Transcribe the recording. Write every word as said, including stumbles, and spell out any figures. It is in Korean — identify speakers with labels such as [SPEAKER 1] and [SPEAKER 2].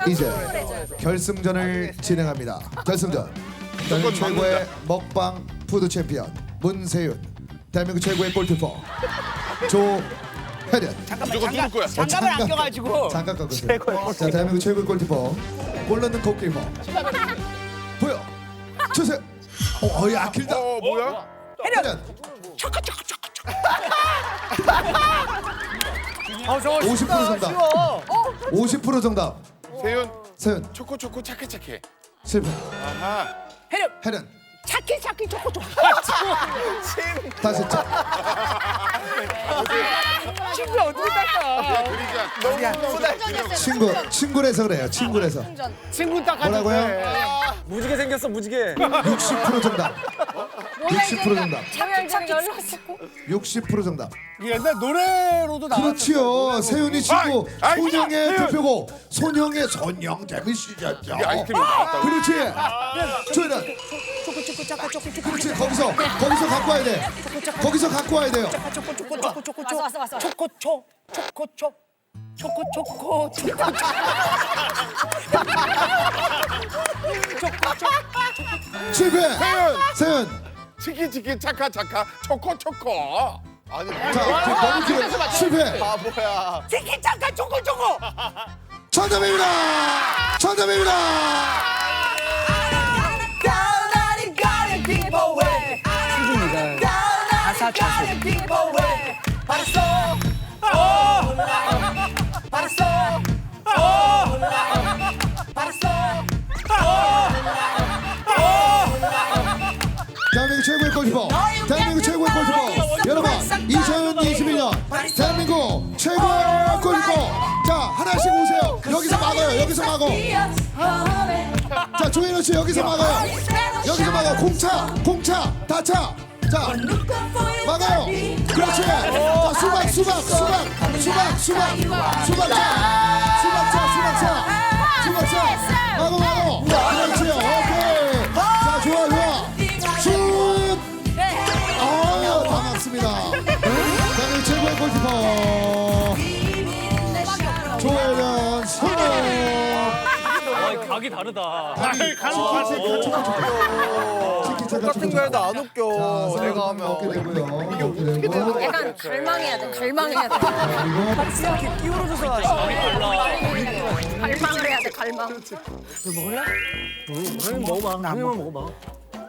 [SPEAKER 1] 이제 결승전을 진행합니다. 결승전. 대한민국 최고의 먹방 푸드 챔피언 문세윤, 대한민국 최고의 골키퍼 조혜련.
[SPEAKER 2] 잠깐만
[SPEAKER 3] 무조건 누를 거야.
[SPEAKER 2] 장갑, 장갑을 안 껴가지고
[SPEAKER 1] 잠깐 깎으세요. 자, 대한민국 최고의 골키퍼, 골 넣는 골키퍼 보여 주세요. 어, 어, 야 길다.
[SPEAKER 3] 어 뭐야?
[SPEAKER 1] 혜련.
[SPEAKER 2] 초코 초코 초코 초코.
[SPEAKER 4] 어 저거
[SPEAKER 1] 오십 퍼센트 정답.
[SPEAKER 4] 쉬워.
[SPEAKER 1] 오십 퍼센트 정답.
[SPEAKER 3] 세윤
[SPEAKER 1] 세윤
[SPEAKER 3] 초코 초코 착해 착해.
[SPEAKER 1] 실패.
[SPEAKER 3] 아하.
[SPEAKER 2] 혜련
[SPEAKER 1] 혜련
[SPEAKER 2] 차키 차키 초코 초코.
[SPEAKER 1] 다시 자.
[SPEAKER 2] 친구 어떻게 닦아?
[SPEAKER 3] 그러니까
[SPEAKER 1] 친구 친구라서 그래요. 친구라서.
[SPEAKER 2] 친구 닦아.
[SPEAKER 1] 뭐라고요?
[SPEAKER 4] 무지개 생겼어 무지개.
[SPEAKER 1] 육십 퍼센트 정답. 육십 퍼센트 정답.
[SPEAKER 5] 차키 차키 연락했고.
[SPEAKER 1] 육십 퍼센트 정답.
[SPEAKER 4] 옛날 노래로도 나왔어.
[SPEAKER 1] 그렇지요. 세윤이 친구
[SPEAKER 3] 아이, 아이,
[SPEAKER 1] 손영의
[SPEAKER 3] 세윤.
[SPEAKER 1] 대표곡 손영의 손영 재밌으셨죠?
[SPEAKER 3] 이게 아이스크림 나왔다고.
[SPEAKER 1] 그렇지. 조혜련.
[SPEAKER 2] 초코 초코 차카 초코 초코
[SPEAKER 1] 그렇지. 거기서 거기서 갖고 와야 돼. 거기서 갖고 와야 돼요.
[SPEAKER 2] 초코 초코 초코 초코
[SPEAKER 5] 왔어 왔어 왔어.
[SPEAKER 2] 초코 초 초코 초 초코 초코 초코
[SPEAKER 1] 실패. 세윤.
[SPEAKER 3] 치킨 치킨 착하 착하 초코 초코. 아니
[SPEAKER 1] 자, 너무 길어. 실패.
[SPEAKER 2] 치킨 차카 초코 초코.
[SPEAKER 1] 정답입니다. 정답입니다.
[SPEAKER 2] 가사 자수.
[SPEAKER 1] 대한민국 최고의 골키퍼, 대한민국 최고의 골키퍼. 여러분, 이천이십일 년 대한민국 최고의 골키퍼. 자, 하나씩 오세요. 여기서 막아요. 여기서 막어. 자, 조현우 씨 여기서 막아요. 여기서 막아. 공차, 공차, 다차. 자, 막아요. 그렇지. 자, 수박, 수박, 수박, 수박, 수박, 수박차, 수박차, 수박차, 수박차. 막어, 막어. 그렇지. 오케이. 자, 좋아, 좋아. 슛. 아유, 다 맞습니다. 대한민국 최고의 골키퍼 조혜련 성공.
[SPEAKER 4] 아 각이 다르다.
[SPEAKER 1] 똑같은
[SPEAKER 4] 거에도 안 웃겨. 내가 하면.
[SPEAKER 1] 어깨 되고요. 이게 어떻게 되는
[SPEAKER 5] 약간 갈망해야 돼. 갈망해야 돼.
[SPEAKER 4] 이렇게 끼우러져서 하지.
[SPEAKER 5] 갈망을 해야 돼. 갈망.
[SPEAKER 4] 먹어봐. 한 입만 먹어봐.